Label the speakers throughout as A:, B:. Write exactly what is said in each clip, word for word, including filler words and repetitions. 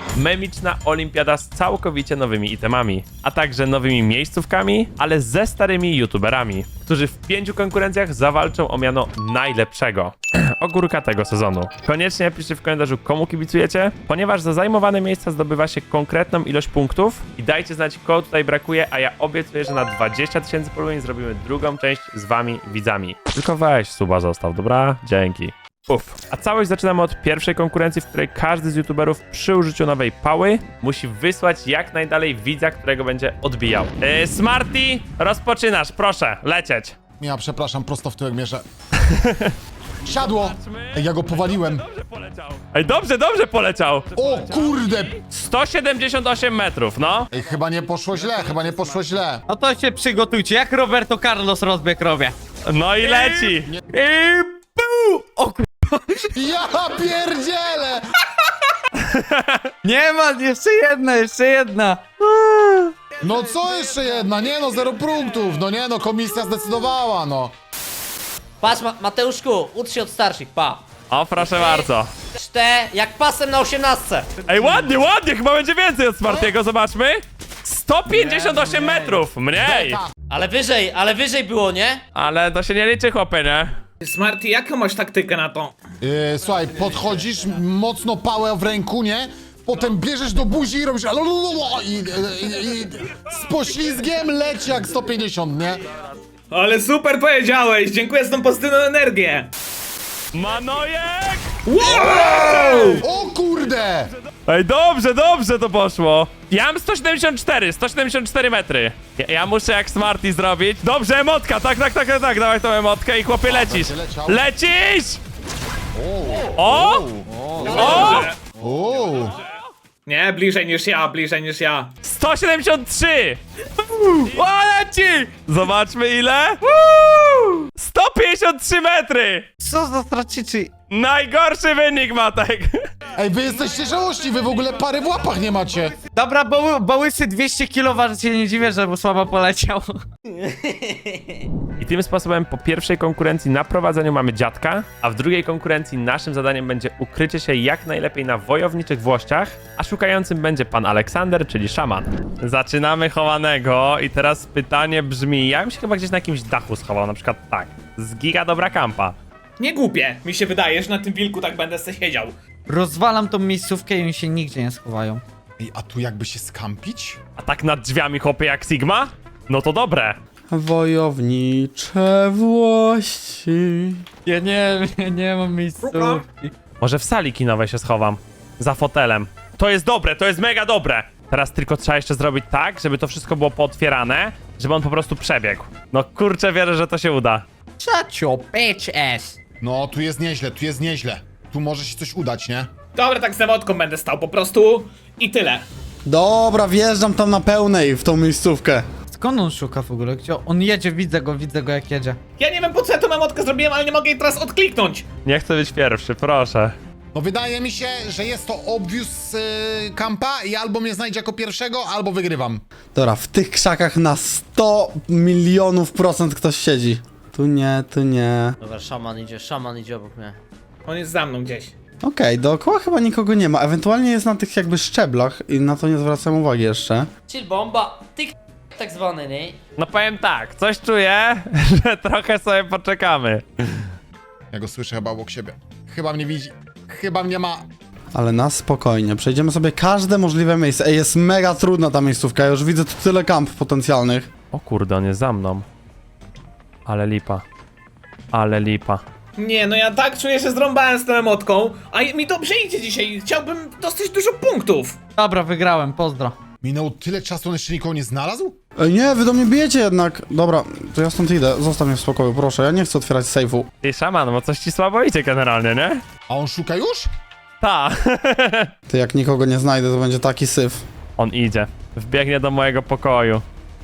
A: memiczna olimpiada z całkowicie nowymi itemami, a także nowymi miejscówkami, ale ze starymi youtuberami, którzy w pięciu konkurencjach zawalczą o miano najlepszego ogórka tego sezonu. Koniecznie napiszcie w komentarzu, komu kibicujecie, ponieważ za zajmowane miejsca zdobywa się konkretną ilość punktów i dajcie znać, kogo tutaj brakuje, a ja obiecuję, że na dwadzieścia tysięcy polubień zrobimy drugą część z wami, widzami. Tylko weź suba zostaw, dobra? Dzięki. Uff. A całość zaczynamy od pierwszej konkurencji, w której każdy z youtuberów przy użyciu nowej pały musi wysłać jak najdalej widza, którego będzie odbijał. Yy, Smarty, rozpoczynasz, proszę, lecieć.
B: Ja przepraszam, prosto w tyłek mierzę. Siadło! Ej, ja go powaliłem.
A: Dobrze poleciał. Ej, dobrze, dobrze poleciał.
B: O kurde!
A: sto siedemdziesiąt osiem metrów, no.
B: Ej, chyba nie poszło źle, chyba nie poszło źle.
C: No to się przygotujcie, jak Roberto Carlos rozbieg robię.
A: No i leci.
C: I pu! O kur...
B: Ja pierdzielę!
C: Nie ma, jeszcze jedna, jeszcze jedna.
B: No co jeszcze jedna? Nie no, zero punktów. No nie no, komisja zdecydowała, no.
D: Patrz, Ma Mateuszku, ucz się od starszych, pa.
A: O, proszę bardzo.
D: Czte, jak pasem na osiemnastce.
A: Ej, ładnie, ładnie, chyba będzie więcej od Smartiego, zobaczmy. sto pięćdziesiąt osiem metrów, mniej.
D: Ale wyżej, ale wyżej było, nie?
A: Ale to się nie liczy, chłopie, nie?
E: Smarty, jaką masz taktykę na to?
B: Yy, słuchaj, podchodzisz, mocno pałę w ręku, nie? Potem bierzesz do buzi i robisz alolololo i, i, i, i z poślizgiem leci jak sto pięćdziesiąt, nie?
E: Ale super powiedziałeś, dziękuję za tą pozytywną energię.
A: Manojek!
B: O kurde!
A: Ej, dobrze, dobrze to poszło. Ja mam sto siedemdziesiąt cztery, sto siedemdziesiąt cztery metry. Ja, ja muszę jak Smarty zrobić. Dobrze, emotka, tak, tak, tak, tak, tak. Dawaj tą emotkę i chłopie lecisz.
B: leciał.
A: Lecisz! O! O!
B: O!
E: Nie, bliżej niż ja, bliżej niż ja.
A: sto siedemdziesiąt trzy! O, leci! Zobaczmy ile. sto pięćdziesiąt trzy metry!
C: Co za straciczy?
A: Najgorszy wynik, Matek.
B: Ej, wy jesteście żałości, wy w ogóle pary w łapach nie macie.
C: Dobra, bo, bo łysy dwieście kilo waży, się nie dziwię, że mu słabo poleciał.
A: I tym sposobem po pierwszej konkurencji na prowadzeniu mamy dziadka, a w drugiej konkurencji naszym zadaniem będzie ukrycie się jak najlepiej na wojowniczych włościach, a szukającym będzie pan Aleksander, czyli szaman. Zaczynamy chowanego i teraz pytanie brzmi, ja bym się chyba gdzieś na jakimś dachu schował, na przykład tak, z giga dobra kampa.
E: Nie głupie, mi się wydaje, że na tym wilku tak będę se siedział.
C: Rozwalam tą miejscówkę i oni się nigdzie nie schowają.
B: Ej, a tu jakby się skampić?
A: A tak nad drzwiami chłopie jak Sigma? No to dobre.
C: Wojownicze włości. Ja nie, nie, nie mam miejscówki.
A: Może w sali kinowej się schowam. Za fotelem. To jest dobre, to jest mega dobre. Teraz tylko trzeba jeszcze zrobić tak, żeby to wszystko było pootwierane, żeby on po prostu przebiegł. No kurczę, wierzę, że to się uda.
C: Shut your bitch ass.
B: No, tu jest nieźle, tu jest nieźle. Tu może się coś udać, nie?
E: Dobra, tak z zawodką będę stał po prostu i tyle.
F: Dobra, wjeżdżam tam na pełnej w tą miejscówkę.
C: Skąd on szuka w ogóle? Gdzie on jedzie? Widzę go, widzę go jak jedzie.
E: Ja nie wiem po co ja tą emotkę zrobiłem, ale nie mogę jej teraz odkliknąć.
A: Nie chcę być pierwszy, proszę.
B: No wydaje mi się, że jest to obvious yy, kampa i albo mnie znajdzie jako pierwszego, albo wygrywam.
F: Dobra, w tych krzakach na sto milionów procent ktoś siedzi. Tu nie, tu nie.
D: Dobra, szaman idzie, szaman idzie obok mnie.
E: On jest za mną gdzieś.
F: Okej, dookoła chyba nikogo nie ma. Ewentualnie jest na tych jakby szczeblach i na to nie zwracam uwagi jeszcze.
D: Chill bomba, tyk tak zwany, nie?
A: No powiem tak, coś czuję, że trochę sobie poczekamy.
B: Ja go słyszę chyba obok siebie. Chyba mnie widzi. Chyba mnie ma.
F: Ale na spokojnie, przejdziemy sobie każde możliwe miejsce. Ej, jest mega trudna ta miejscówka, ja już widzę tu tyle kamp potencjalnych.
A: O kurde, on jest za mną. Ale lipa. Ale lipa.
E: Nie, no ja tak czuję, że zrąbałem z tą emotką, a mi dobrze idzie dzisiaj. Chciałbym dostać dużo punktów.
C: Dobra, wygrałem, pozdro.
B: Minęło tyle czasu, on jeszcze nikogo nie znalazł?
F: Ej, nie, wy do mnie bijecie jednak. Dobra, to ja stąd idę, zostaw mnie w spokoju, proszę, ja nie chcę otwierać sejfu.
A: Ty szaman, bo coś ci słabo idzie generalnie, nie?
B: A on szuka już?
A: Ta.
F: Ty, jak nikogo nie znajdę, to będzie taki syf.
A: On idzie. Wbiegnie do mojego pokoju.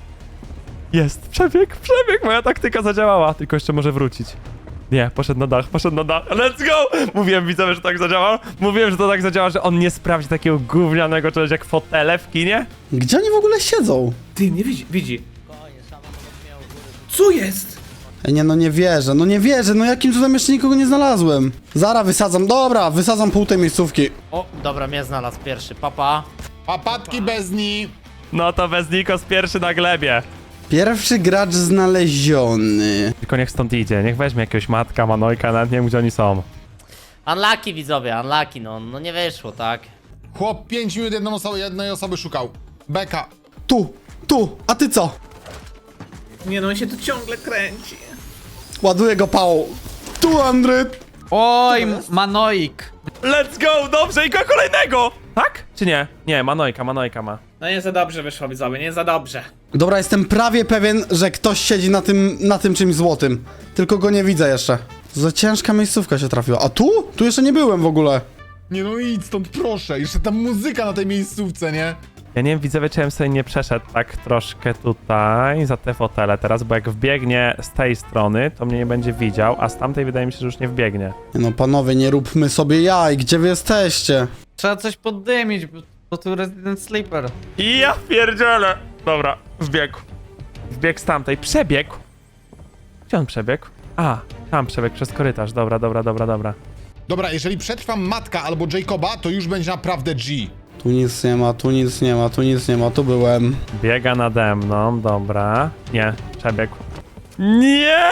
A: Jest, przebieg, przebieg, moja taktyka zadziałała. Tylko jeszcze może wrócić. Nie, poszedł na dach, poszedł na dach. Let's go! Mówiłem widzowie, że tak zadziała. Mówiłem, że to tak zadziała, że on nie sprawdzi takiego gównianego czegoś jak fotele w kinie.
F: Gdzie oni w ogóle siedzą?
E: Ty, nie widzi, widzi. Co jest?
F: Ej, nie, no nie wierzę, no nie wierzę, no jakim cudem jeszcze nikogo nie znalazłem. Zara wysadzam, dobra, wysadzam pół tej miejscówki.
D: O, dobra, mnie znalazł pierwszy, papa.
B: Papatki bez ni.
A: No to bez Nikos pierwszy na glebie.
F: Pierwszy gracz znaleziony.
A: Tylko niech stąd idzie, niech weźmie jakiegoś matka, manojka, nawet nie wiem gdzie oni są.
D: Unlucky widzowie, unlucky, no, no nie wyszło, tak?
B: Chłop pięć minut jedną osobę, jednej osoby szukał. Beka.
F: Tu, tu, a ty co?
E: Nie no, on się tu ciągle kręci.
F: Ładuję go pałą. Tu, sto.
C: Oj, Manoik.
A: Let's go, dobrze, i go kolejnego! Tak? Czy nie? Nie, manojka, manojka ma.
E: No nie za dobrze wyszło, widzowie, nie za dobrze.
F: Dobra, jestem prawie pewien, że ktoś siedzi na tym, na tym czymś złotym. Tylko go nie widzę jeszcze. Za ciężka miejscówka się trafiła. A tu? Tu jeszcze nie byłem w ogóle.
B: Nie no idź stąd proszę, jeszcze ta muzyka na tej miejscówce, nie?
A: Ja nie wiem, widzowie, czy ja bym sobie nie przeszedł tak troszkę tutaj za te fotele teraz, bo jak wbiegnie z tej strony, to mnie nie będzie widział, a z tamtej wydaje mi się, że już nie wbiegnie.
F: Nie no, panowie, nie róbmy sobie jaj. Gdzie wy jesteście?
C: Trzeba coś poddymić, bo, bo tu Resident Sleeper.
A: I ja pierdzielę! Dobra, wbiegł. Wbiegł z tamtej. Przebiegł. Gdzie on przebiegł? A, tam przebiegł przez korytarz. Dobra, dobra, dobra, dobra.
B: Dobra, jeżeli przetrwam Matka albo Jacoba, to już będzie naprawdę G.
F: Tu nic nie ma, tu nic nie ma, tu nic nie ma, tu byłem.
A: Biega nade mną, dobra. Nie, przebiegł. Nie!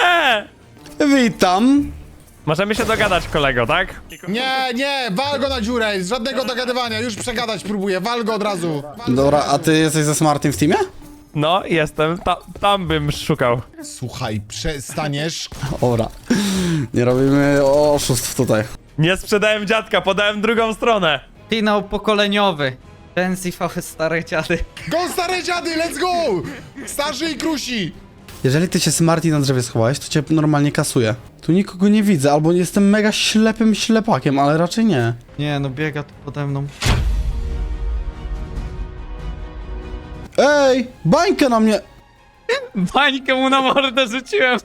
F: Witam.
A: Możemy się dogadać, kolego, tak?
B: Nie, nie, wal go na dziurę, żadnego dogadywania, już przegadać próbuję, wal go od razu.
F: Dobra, a ty jesteś ze Smartym w teamie?
A: No, jestem. Ta, tam bym szukał.
B: Słuchaj, przestaniesz.
F: Dobra. Nie robimy oszustw tutaj.
A: Nie sprzedałem dziadka, podałem drugą stronę.
C: Finał pokoleniowy. Ten Z V starych dziady.
B: Go stare dziady, let's go! Starzy i krusi.
F: Jeżeli ty się Smarty na drzewie schowałeś, to cię normalnie kasuje. Tu nikogo nie widzę, albo jestem mega ślepym ślepakiem, ale raczej nie.
C: Nie, no biega tu pode mną.
F: Ej! Bańkę na mnie!
C: Bańkę mu na mordę rzuciłem.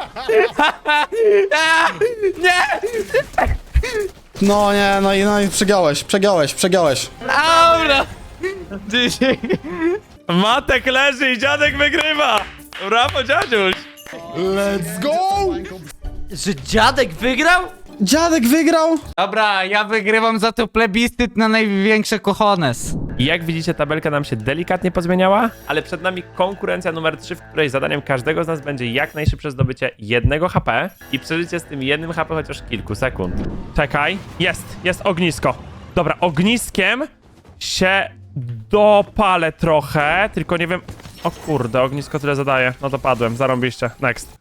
C: Nie!
F: No nie, no i, no i przegiałeś, przegiałeś, przegiałeś.
C: Dobra! Dzisiaj.
A: Matek leży i dziadek wygrywa. Brawo, dziadziuś.
B: Let's go!
D: Że dziadek wygrał?
F: Dziadek wygrał!
C: Dobra, ja wygrywam za to plebiscyt na największe cojones.
A: I jak widzicie, tabelka nam się delikatnie pozmieniała, ale przed nami konkurencja numer trzy, w której zadaniem każdego z nas będzie jak najszybsze zdobycie jednego H P i przeżycie z tym jednym H P chociaż kilku sekund. Czekaj, jest, jest ognisko. Dobra, ogniskiem się dopalę trochę, tylko nie wiem... O kurde, ognisko tyle zadaje. No to padłem, zarąbiście. Next.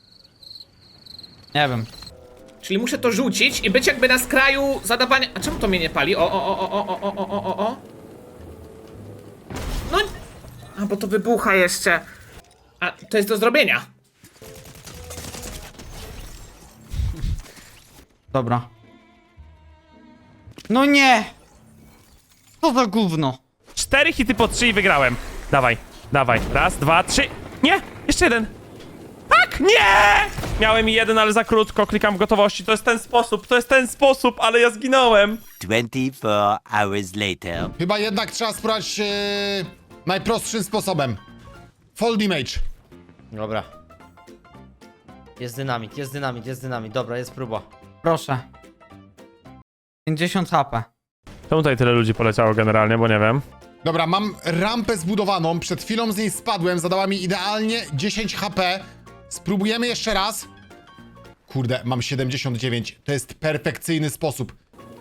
C: Nie wiem.
E: Czyli muszę to rzucić i być jakby na skraju zadawania... A czemu to mnie nie pali? O, o, o, o, o, o, o, o, o, o. No... A, bo to wybucha jeszcze. A, to jest do zrobienia.
C: Dobra. No nie! Co za gówno?
A: Cztery hity po trzy i wygrałem. Dawaj, dawaj. Raz, dwa, trzy. Nie! Jeszcze jeden. Tak! Nie! Miałem i jeden, ale za krótko. Klikam w gotowości. To jest ten sposób, to jest ten sposób, ale ja zginąłem.
G: twenty-four hours later.
B: Chyba jednak trzeba spróbować e, najprostszym sposobem. Fold image.
D: Dobra. Jest dynamit, jest dynamit, jest dynamit. Dobra, jest próba.
C: Proszę. pięćdziesiąt H P.
A: Czemu tutaj tyle ludzi poleciało generalnie, bo nie wiem.
B: Dobra, mam rampę zbudowaną, przed chwilą z niej spadłem, zadała mi idealnie dziesięć H P. Spróbujemy jeszcze raz. Kurde, mam siedemdziesiąt dziewięć, to jest perfekcyjny sposób.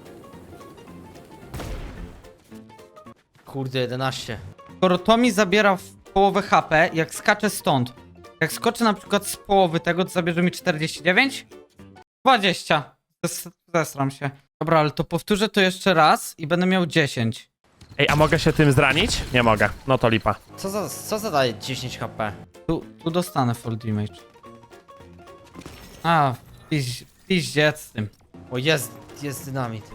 D: Kurde, jedenaście.
C: Skoro to mi zabiera w połowę H P, jak skaczę stąd. Jak skoczę na przykład z połowy tego, to zabierze mi czterdzieści dziewięć? dwadzieścia. Zes zesram się. Dobra, ale to powtórzę to jeszcze raz i będę miał dziesięć.
A: Ej, a mogę się tym zranić? Nie mogę. No to lipa.
D: Co za, co zadaje dziesięć H P?
C: Tu, tu dostanę full damage. A, piź, piździec z tym.
D: O, jest, jest dynamit.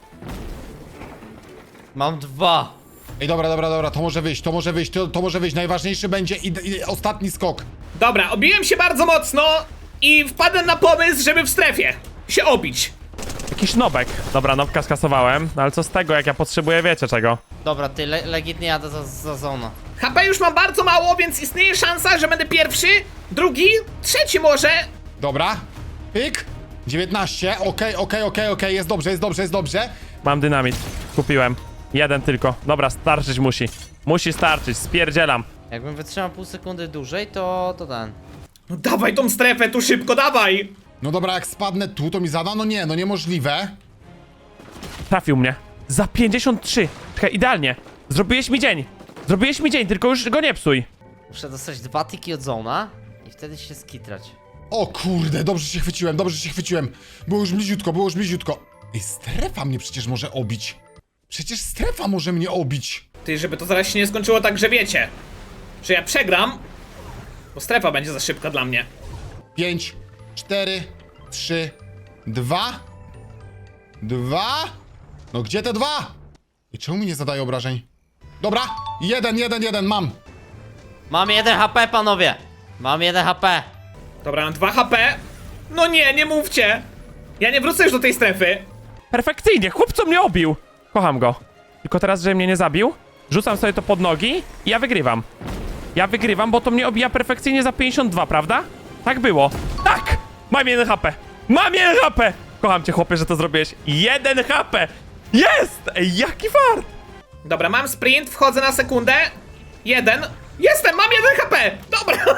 D: Mam dwa.
B: Ej, dobra, dobra, dobra, to może wyjść, to może wyjść, to, to może wyjść. Najważniejszy będzie i, i ostatni skok.
E: Dobra, obiłem się bardzo mocno i wpadłem na pomysł, żeby w strefie się obić.
A: Jakiś nobek. Dobra, nobka skasowałem. No ale co z tego, jak ja potrzebuję, wiecie czego?
D: Dobra, ty le legitnie jadę za, za zona.
E: H P już mam bardzo mało, więc istnieje szansa, że będę pierwszy, drugi, trzeci może.
B: Dobra. Pyk. dziewiętnaście. Okej, okej, okej, okej. Jest dobrze, jest dobrze, jest dobrze.
A: Mam dynamit. Kupiłem. Jeden tylko. Dobra, starczyć musi. Musi starczyć, spierdzielam.
D: Jakbym wytrzymał pół sekundy dłużej, to, to ten.
E: No dawaj tą strefę tu szybko, dawaj.
B: No dobra, jak spadnę tu, to mi zada? No nie, no niemożliwe.
A: Trafił mnie. Za pięćdziesiąt trzy. Czekaj, idealnie. Zrobiłeś mi dzień. Zrobiłeś mi dzień, tylko już go nie psuj.
D: Muszę dostać dwa tiki od zona i wtedy się skitrać.
B: O kurde, dobrze się chwyciłem, dobrze się chwyciłem. Było już bliziutko, było już bliziutko. Ej, strefa mnie przecież może obić. Przecież strefa może mnie obić.
E: Ty, żeby to zaraz się nie skończyło tak, że wiecie, że ja przegram, bo strefa będzie za szybka dla mnie.
B: pięć, cztery, trzy, dwa, dwa. No gdzie te dwa? I czemu mi nie zadaje obrażeń? Dobra, jeden, jeden, jeden, mam.
D: Mam jeden H P, panowie! Mam jeden H P.
E: Dobra, mam dwa H P. No nie, nie mówcie. Ja nie wrócę już do tej strefy.
A: Perfekcyjnie, chłopco mnie obił. Kocham go. Tylko teraz, że mnie nie zabił, rzucam sobie to pod nogi i ja wygrywam. Ja wygrywam, bo to mnie obija perfekcyjnie za pięćdziesiąt dwa, prawda? Tak było. Tak! Mam jeden H P. Mam jeden H P! Kocham cię, chłopie, że to zrobiłeś. Jeden H P! Jest! Ej, jaki fart!
E: Dobra, mam sprint, wchodzę na sekundę. Jeden. Jestem, mam jeden H P. Dobra.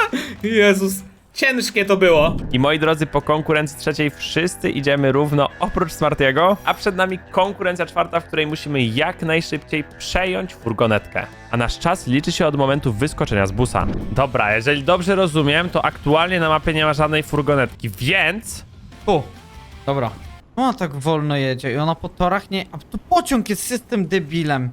E: Jezus, ciężkie to było.
A: I moi drodzy, po konkurencji trzeciej wszyscy idziemy równo oprócz Smartiego, a przed nami konkurencja czwarta, w której musimy jak najszybciej przejąć furgonetkę. A nasz czas liczy się od momentu wyskoczenia z busa. Dobra, jeżeli dobrze rozumiem, to aktualnie na mapie nie ma żadnej furgonetki, więc...
C: Tu. Dobra. Ona tak wolno jedzie i ona po torach nie... A tu pociąg jest system debilem.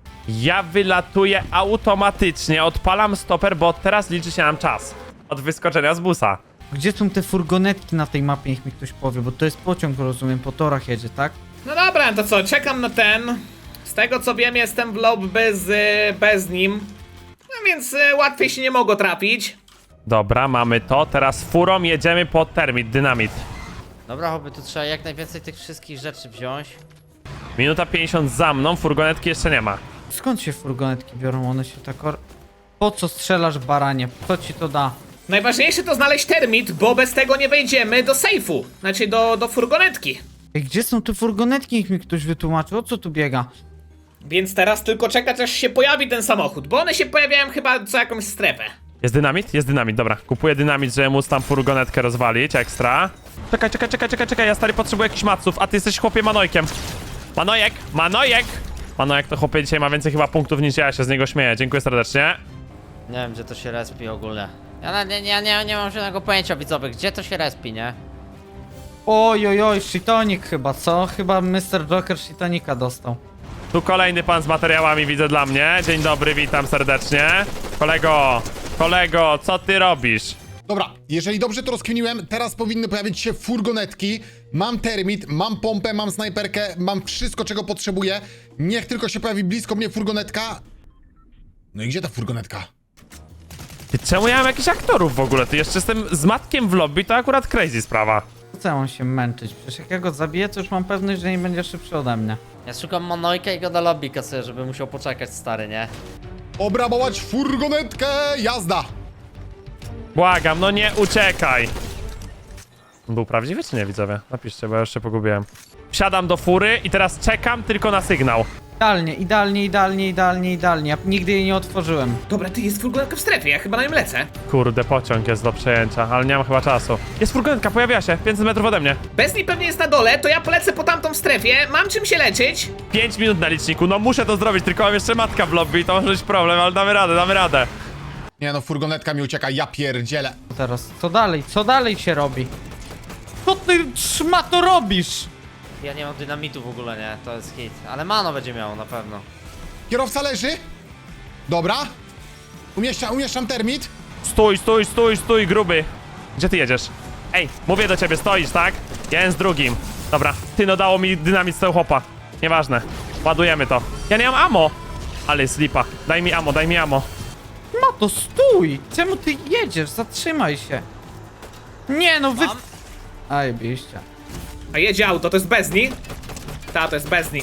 A: Ja wylatuję automatycznie, odpalam stoper, bo teraz liczy się nam czas od wyskoczenia z busa.
C: Gdzie są te furgonetki na tej mapie, niech mi ktoś powie, bo to jest pociąg, rozumiem, po torach jedzie, tak?
E: No dobra, to co, czekam na ten. Z tego co wiem, jestem w lobby z, y, bez nim. No więc y, łatwiej się nie mogło trafić.
A: Dobra, mamy to, teraz furą jedziemy po termit, dynamit.
D: Dobra, chłopie, tu trzeba jak najwięcej tych wszystkich rzeczy wziąć.
A: Minuta pięćdziesiąt za mną, furgonetki jeszcze nie ma.
C: Skąd się furgonetki biorą? One się tak... Or... Po co strzelasz, baranie? Co ci to da?
E: Najważniejsze to znaleźć termit, bo bez tego nie wejdziemy do sejfu. Znaczy do, do furgonetki.
C: Ej, gdzie są te furgonetki? Niech mi ktoś wytłumaczy, o co tu biega?
E: Więc teraz tylko czekać, aż się pojawi ten samochód, bo one się pojawiają chyba co jakąś strefę.
A: Jest dynamit? Jest dynamit, dobra. Kupuję dynamit, żeby móc tam furgonetkę rozwalić, ekstra. Czekaj, czekaj, czekaj, czekaj, czekaj, ja stary potrzebuję jakichś maców, a ty jesteś chłopie Manojkiem. Manojek, Manojek! Manojek to chłopie dzisiaj ma więcej chyba punktów niż ja, się z niego śmieję, dziękuję serdecznie.
D: Nie wiem, gdzie to się respi ogólnie. Ja na- nie, nie, nie, nie mam żadnego pojęcia, widzowie, gdzie to się respi, nie?
C: Oj, oj, oj, Shitonik chyba, co? Chyba mister Joker Shitonika dostał.
A: Tu kolejny pan z materiałami widzę dla mnie. Dzień dobry, witam serdecznie. Kolego, kolego, co ty robisz?
B: Dobra, jeżeli dobrze to rozkminiłem, teraz powinny pojawić się furgonetki. Mam termit, mam pompę, mam snajperkę, mam wszystko, czego potrzebuję. Niech tylko się pojawi blisko mnie furgonetka. No i gdzie ta furgonetka?
A: Ty, czemu ja mam jakichś aktorów w ogóle? Ty jeszcze jestem z matkiem w lobby, to akurat crazy sprawa.
C: Po co ja mam się męczyć? Przecież jak ja go zabiję, to już mam pewność, że nie będzie szybszy ode mnie.
D: Ja szukam Manojka i go do lobby kasuję, żeby musiał poczekać, stary, nie?
B: Obrabować furgonetkę, jazda!
A: Błagam, no nie uciekaj. Był prawdziwy czy nie, widzowie? Napiszcie, bo ja już się pogubiłem. Wsiadam do fury i teraz czekam tylko na sygnał.
C: Idealnie, idealnie, idealnie, idealnie, idealnie. Ja nigdy jej nie otworzyłem.
E: Dobra, ty jest furgonetka w strefie, ja chyba na nim lecę.
A: Kurde, pociąg jest do przejęcia, ale nie mam chyba czasu. Jest furgonetka, pojawia się, pięćset metrów ode mnie.
E: Bez niej pewnie jest na dole, to ja polecę po tamtą strefie, mam czym się leczyć.
A: pięć minut na liczniku, no muszę to zrobić, tylko mam jeszcze matka w lobby i to może być problem, ale damy radę, damy radę.
B: Nie no, furgonetka mi ucieka, ja pierdzielę.
C: Co teraz? Co dalej? Co dalej się robi? Co ty szmato robisz?
D: Ja nie mam dynamitu w ogóle, nie? To jest hit. Ale Mano będzie miało na pewno.
B: Kierowca leży. Dobra. Umieszczam, umieszczam termit.
A: Stój, stój, stój, stój, gruby. Gdzie ty jedziesz? Ej, mówię do ciebie, stoisz, tak? Ja jestem z drugim. Dobra, ty no dało mi dynamit z tego chłopa. Nieważne. Ładujemy to. Ja nie mam ammo. Ale jest lipa. Daj mi ammo, daj mi ammo.
C: Mato, stój! Czemu ty jedziesz? Zatrzymaj się. Nie no, wy...
D: Mam?
C: Aj, biście.
E: A jedzie auto, to jest Bezni? Ta, to jest Bezni.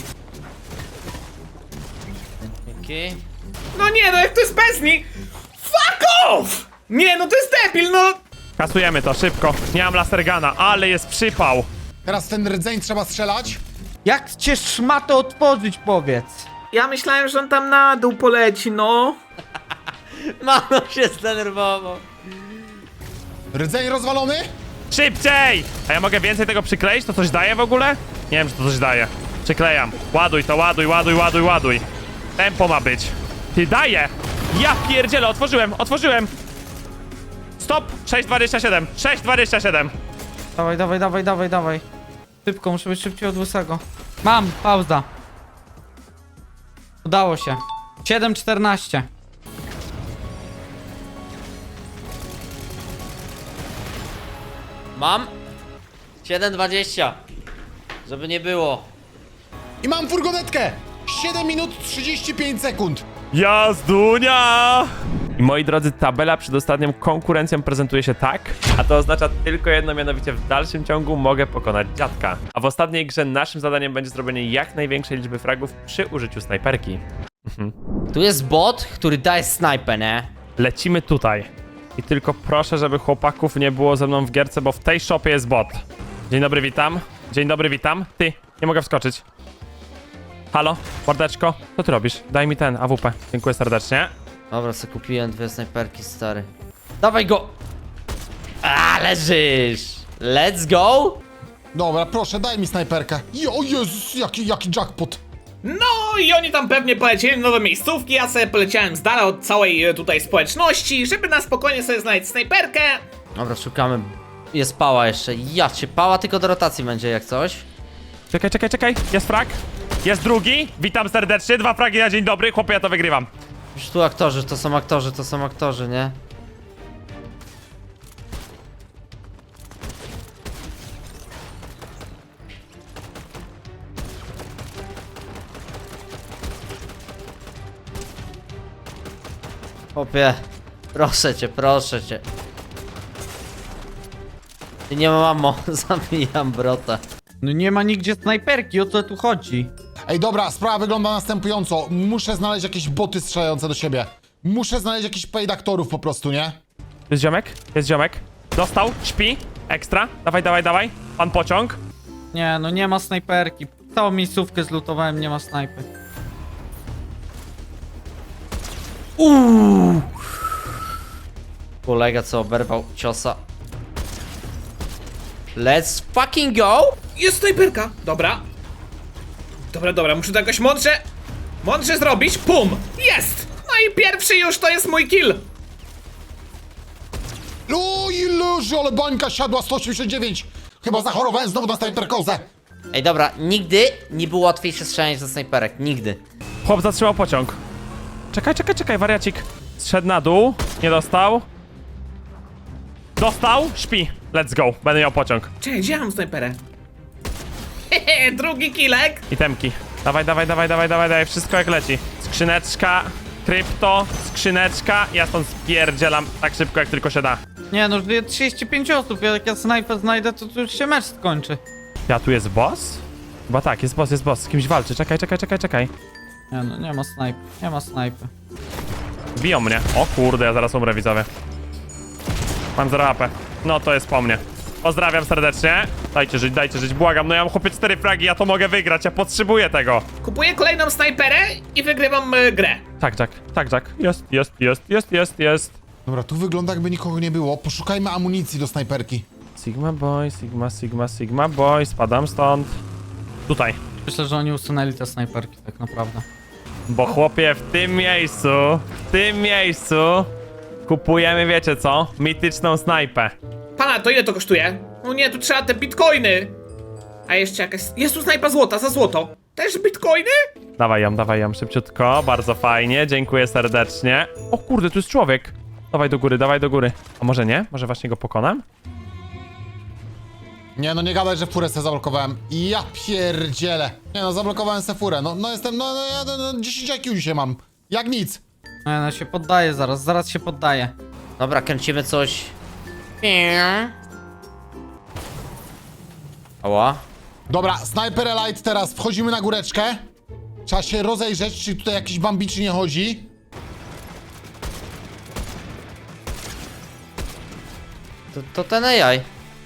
D: Okej.
E: No nie, no jak to jest Bezni? Fuck off! Nie, no to jest debil, no!
A: Kasujemy to, szybko. Nie mam lasergana, ale jest przypał.
B: Teraz ten rdzeń trzeba strzelać.
C: Jak cię szmatę otworzyć, powiedz?
E: Ja myślałem, że on tam na dół poleci, no.
D: Mano się zdenerwował.
B: Rdzeń rozwalony.
A: Szybciej! A ja mogę więcej tego przykleić? To coś daje w ogóle? Nie wiem, czy to coś daje. Przyklejam. Ładuj to, ładuj, ładuj, ładuj, ładuj. Tempo ma być. Ty, daje! Ja pierdzielę, otworzyłem, otworzyłem! Stop! sześć dwadzieścia siedem, sześć dwadzieścia siedem.
C: Dawaj, dawaj, dawaj, dawaj, dawaj. Szybko, muszę być szybciej od łysego. Mam, pauza. Udało się. siedem czternaście.
D: Mam siedem dwadzieścia. Żeby nie było.
B: I mam furgonetkę. siedem minut trzydzieści pięć sekund.
A: Jazdunia! I moi drodzy, tabela przed ostatnią konkurencją prezentuje się tak, a to oznacza tylko jedno, mianowicie w dalszym ciągu mogę pokonać dziadka. A w ostatniej grze naszym zadaniem będzie zrobienie jak największej liczby fragów przy użyciu snajperki.
D: Tu jest bot, który daje snajpę, nie?
A: Lecimy tutaj. I tylko proszę, żeby chłopaków nie było ze mną w gierce, bo w tej shopie jest bot. Dzień dobry, witam. Dzień dobry, witam. Ty, nie mogę wskoczyć. Halo, mordeczko, co ty robisz? Daj mi ten, A W P. Dziękuję serdecznie.
D: Dobra, sobie kupiłem dwie snajperki, stary. Dawaj go! A, leżysz! Let's go!
B: Dobra, proszę, daj mi snajperkę. Jo, Jezus, jaki, jaki jackpot.
E: No i oni tam pewnie polecieli nowe miejscówki, ja sobie poleciałem z dala od całej e, tutaj społeczności, żeby na spokojnie sobie znaleźć snajperkę.
D: Dobra, szukamy. Jest pała jeszcze. Ja cię, pała tylko do rotacji będzie jak coś.
A: Czekaj, czekaj, czekaj. Jest frag. Jest drugi. Witam serdecznie. Dwa fragi na dzień dobry. Chłopie, ja to wygrywam.
D: Już tu aktorzy, to są aktorzy, to są aktorzy, nie? Chłopie, proszę cię, proszę cię. I nie mam ammo, zabijam brota.
C: No nie ma nigdzie snajperki, o co tu chodzi?
B: Ej, dobra, sprawa wygląda następująco. Muszę znaleźć jakieś boty strzelające do siebie. Muszę znaleźć jakichś paid aktorów po prostu, nie?
A: Jest ziomek. Jest ziomek. Dostał. Śpi. Ekstra. Dawaj, dawaj, dawaj. Pan pociąg.
C: Nie, no nie ma snajperki. Całą miejscówkę zlutowałem, nie ma snajpy.
D: Kolega co oberwał ciosa. Let's fucking go!
E: Jest snajperka, dobra. Dobra, dobra, muszę to jakoś mądrze, mądrze zrobić, pum, jest! No i pierwszy już to jest mój kill.
B: O, ileż, ale bańka siadła, sto osiemdziesiąt dziewięć. Chyba zachorowałem znowu na snajperkozę.
D: Ej, dobra, nigdy nie było łatwiejsze strzelanie ze snajperek, nigdy.
A: Chłop zatrzymał pociąg. Czekaj, czekaj, czekaj, wariacik. Zszedł na dół. Nie dostał. Dostał. Śpi. Let's go. Będę miał pociąg.
E: Czekaj, gdzie ja mam snajperę? Hehe, drugi killek.
A: I temki. Dawaj, dawaj, dawaj, dawaj, dawaj, dawaj. Wszystko jak leci. Skrzyneczka. Krypto. Skrzyneczka. Ja stąd spierdzielam tak szybko, jak tylko się da.
C: Nie no, żyje trzydzieści pięć osób, jak ja snajpę znajdę, to, to już się mecz skończy.
A: Ja tu jest boss? Chyba tak, jest boss, jest boss. Z kimś walczy. Czekaj, czekaj, czekaj, czekaj.
C: Nie no, nie ma snajpy, nie ma snajpy.
A: Biją mnie. O kurde, ja zaraz umrę, widzowie. Mam zero A P. No to jest po mnie. Pozdrawiam serdecznie. Dajcie żyć, dajcie żyć, błagam. No ja mam chłopie cztery fragi, ja to mogę wygrać, ja potrzebuję tego.
E: Kupuję kolejną snajperę i wygrywam y, grę.
A: Tak, Jack, tak, Jack. Jest, jest, jest, jest, jest, jest.
B: Dobra, tu wygląda jakby nikogo nie było. Poszukajmy amunicji do snajperki.
A: Sigma boy, sigma, sigma, sigma boy. Spadam stąd. Tutaj.
C: Myślę, że oni usunęli te snajperki tak naprawdę.
A: Bo chłopie, w tym miejscu, w tym miejscu kupujemy, wiecie co? Mityczną snajpę.
E: Pana, to ile to kosztuje? No nie, tu trzeba te bitcoiny. A jeszcze jakaś... Jest tu snajpa złota, za złoto. Też bitcoiny?
A: Dawaj ją, dawaj ją szybciutko, bardzo fajnie, dziękuję serdecznie. O kurde, tu jest człowiek. Dawaj do góry, dawaj do góry. A może nie? Może właśnie go pokonam?
B: Nie no, nie gadaj, że furę sobie zablokowałem. Ja pierdzielę. Nie no, zablokowałem se furę. No, no jestem, no, no ja no, no, dziesięć I Q dzisiaj mam. Jak nic.
C: Nie no, się poddaje zaraz, zaraz się poddaje.
D: Dobra, kręcimy coś. Ała.
B: Dobra, Sniper Elite teraz. Wchodzimy na góreczkę. Trzeba się rozejrzeć, czy tutaj jakiś bambiczy nie chodzi.
D: To, to ten A I.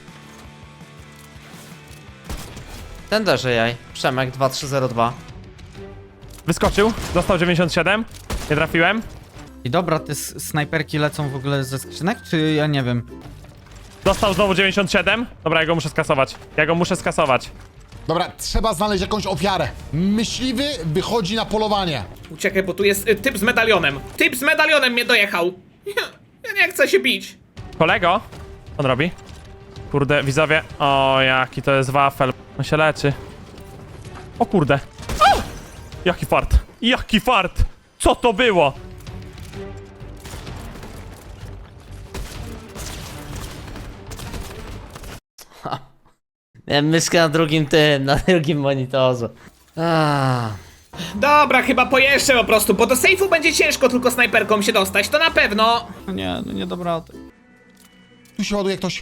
D: Ten też A I. Przemek dwa trzy zero dwa.
A: Wyskoczył, dostał dziewięćdziesiąt siedem. Nie trafiłem.
C: I dobra, te s- snajperki lecą w ogóle ze skrzynek, czy ja nie wiem?
A: Dostał znowu dziewięćdziesiąt siedem. Dobra, ja go muszę skasować. Ja go muszę skasować.
B: Dobra, trzeba znaleźć jakąś ofiarę. Myśliwy wychodzi na polowanie.
E: Uciekaj, bo tu jest y, typ z medalionem. Typ z medalionem mnie dojechał. Ja, ja nie chcę się bić.
A: Kolego? Co on robi? Kurde, widzowie. O, jaki to jest wafel. On się leczy. O kurde. O! Jaki fart. Jaki fart. Co to było?
D: Miałem myszkę na drugim tym, na drugim monitorze. Ah.
E: Dobra, chyba pojeżdżę po prostu, bo do sejfu będzie ciężko tylko snajperką się dostać, to na pewno.
C: No nie, no nie dobra.
B: Tu się ładuje ktoś.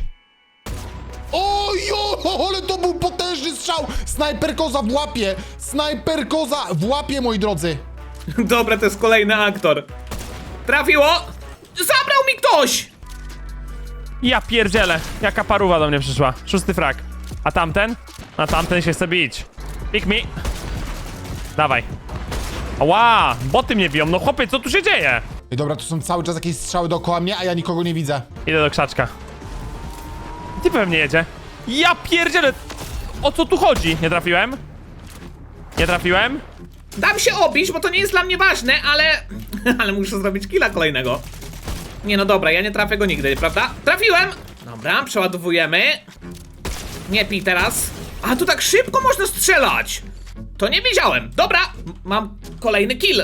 B: Ojo, ale to był potężny strzał! Snajper koza w łapie! Snajper koza w łapie, moi drodzy!
E: Dobra, to jest kolejny aktor. Trafiło! Zabrał mi ktoś!
A: Ja pierdzielę. Jaka paruwa do mnie przyszła. Szósty frag. A tamten? A tamten się chce bić. Pick me. Dawaj. Ła, boty mnie biją. No chłopie, co tu się dzieje?
B: I dobra, tu są cały czas jakieś strzały dookoła mnie, a ja nikogo nie widzę.
A: Idę do krzaczka. Ty pewnie jedzie. Ja pierdzielę. O co tu chodzi? Nie trafiłem? Nie trafiłem?
E: Dam się obić, bo to nie jest dla mnie ważne, ale... ale muszę zrobić killa kolejnego. Nie no dobra, ja nie trafię go nigdy, prawda? Trafiłem! Dobra, przeładowujemy. Nie pij teraz. A tu tak szybko można strzelać! To nie wiedziałem. Dobra, m- mam kolejny kill.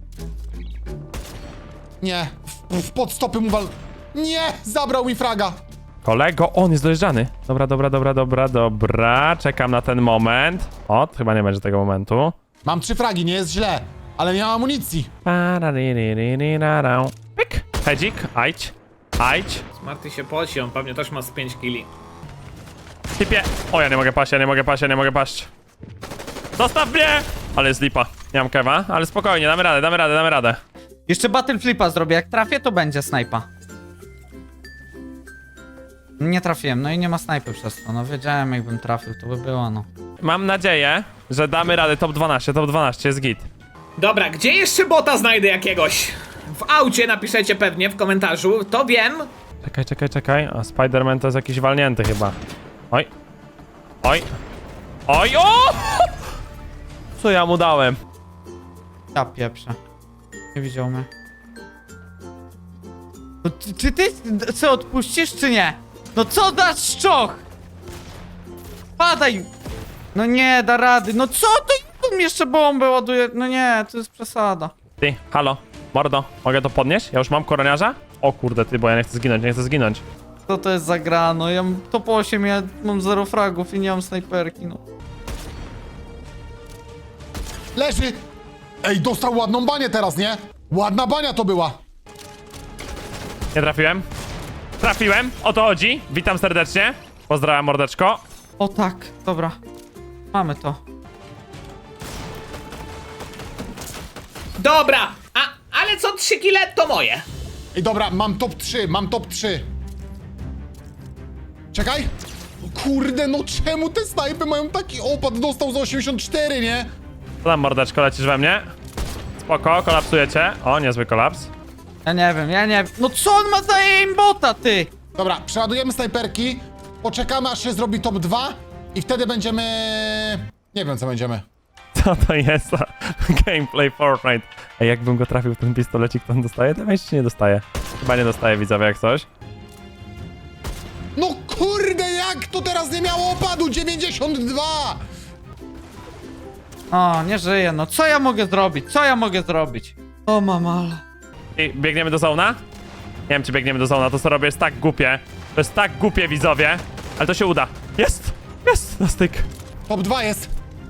B: Nie, w, w podstopy mu wal... Nie, zabrał mi fraga!
A: Kolego, on jest dojeżdżany. Dobra, dobra, dobra, dobra, dobra. Czekam na ten moment. O, chyba nie będzie tego momentu.
B: Mam trzy fragi, nie jest źle, ale nie mam amunicji.
A: Pyk. Hedzik, ajdź. Ajdź.
E: Smarty się poci, on pewnie też ma z pięć killi.
A: Typie. O, ja nie mogę paść, ja nie mogę paść, ja nie mogę paść. Zostaw mnie! Ale jest lipa. Nie mam kewa, ale spokojnie, damy radę, damy radę, damy radę.
C: Jeszcze battle flipa zrobię, jak trafię, to będzie snajpa. Nie trafiłem, no i nie ma snajpy przez to, no wiedziałem jakbym trafił, to by było, no.
A: Mam nadzieję, że damy radę top dwanaście, top dwanaście jest git.
E: Dobra, gdzie jeszcze bota znajdę jakiegoś? W aucie napiszecie pewnie w komentarzu, to wiem.
A: Czekaj, czekaj, czekaj. A Spider-Man to jest jakiś walnięty chyba. Oj. Oj. Oj, o! Co ja mu dałem?
C: Ja pieprzę. Nie widział mnie. No, ty, czy ty co, odpuścisz, czy nie? No co dasz szczoch? Padaj! No nie, da rady. No co to? Tu mi jeszcze bombę ładuje. No nie, to jest przesada.
A: Ty, halo, mordo, mogę to podnieść? Ja już mam koroniarza? O kurde, ty, bo ja nie chcę zginąć, nie chcę zginąć.
C: Co to jest za gra? No ja mam top osiem, ja mam zero fragów i nie mam snajperki, no.
B: Leży! Ej, dostał ładną banię teraz, nie? Ładna bania to była!
A: Nie trafiłem. Trafiłem, o to chodzi. Witam serdecznie. Pozdrawiam, mordeczko.
C: O tak, dobra. Mamy to.
E: Dobra, a, ale co trzy kile to moje.
B: Ej, dobra, mam top trzy, mam top trzy. Czekaj! Kurde, no czemu te snajpy mają taki opad? Dostał za osiemdziesiąt cztery, nie?
A: Co tam, mordeczko, lecisz we mnie? Spoko, kolapsujecie. O, niezły kolaps.
C: Ja nie wiem, ja nie wiem. No co on ma za aimbota, ty?
B: Dobra, przeładujemy snajperki, poczekamy aż się zrobi top dwa i wtedy będziemy... Nie wiem co będziemy.
A: Co to jest za gameplay Fortnite? Ej, jakbym go trafił w ten pistolecik, to on dostaje damage czy nie dostaje? Chyba nie dostaje, widzowie, jak coś.
B: No kurde, jak to teraz nie miało opadu? dziewięćdziesiąt dwa!
C: O, nie żyję, no co ja mogę zrobić? Co ja mogę zrobić? O mamala.
A: I biegniemy do zona? Nie wiem, czy biegniemy do zona, to co robię jest tak głupie. To jest tak głupie, widzowie. Ale to się uda. Jest! Jest! Na styk.
B: Top dwa jest.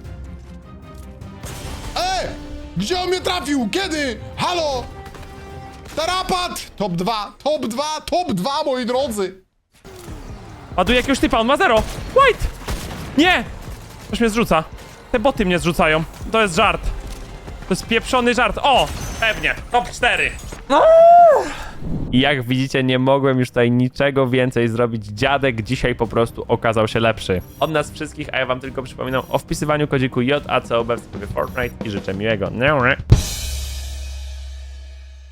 B: Ej! Gdzie on mnie trafił? Kiedy? Halo? Tarapat! Top dwa, top dwa, top dwa, moi drodzy!
A: Ładuje jakiegoś typa, on ma zero. White! Nie! Ktoś mnie zrzuca. Te boty mnie zrzucają. To jest żart. To jest pieprzony żart. O! Pewnie. Top cztery. I jak widzicie, nie mogłem już tutaj niczego więcej zrobić. Dziadek dzisiaj po prostu okazał się lepszy. Od nas wszystkich, a ja wam tylko przypominam o wpisywaniu kodziku J A C O B w sklepie Fortnite i życzę miłego.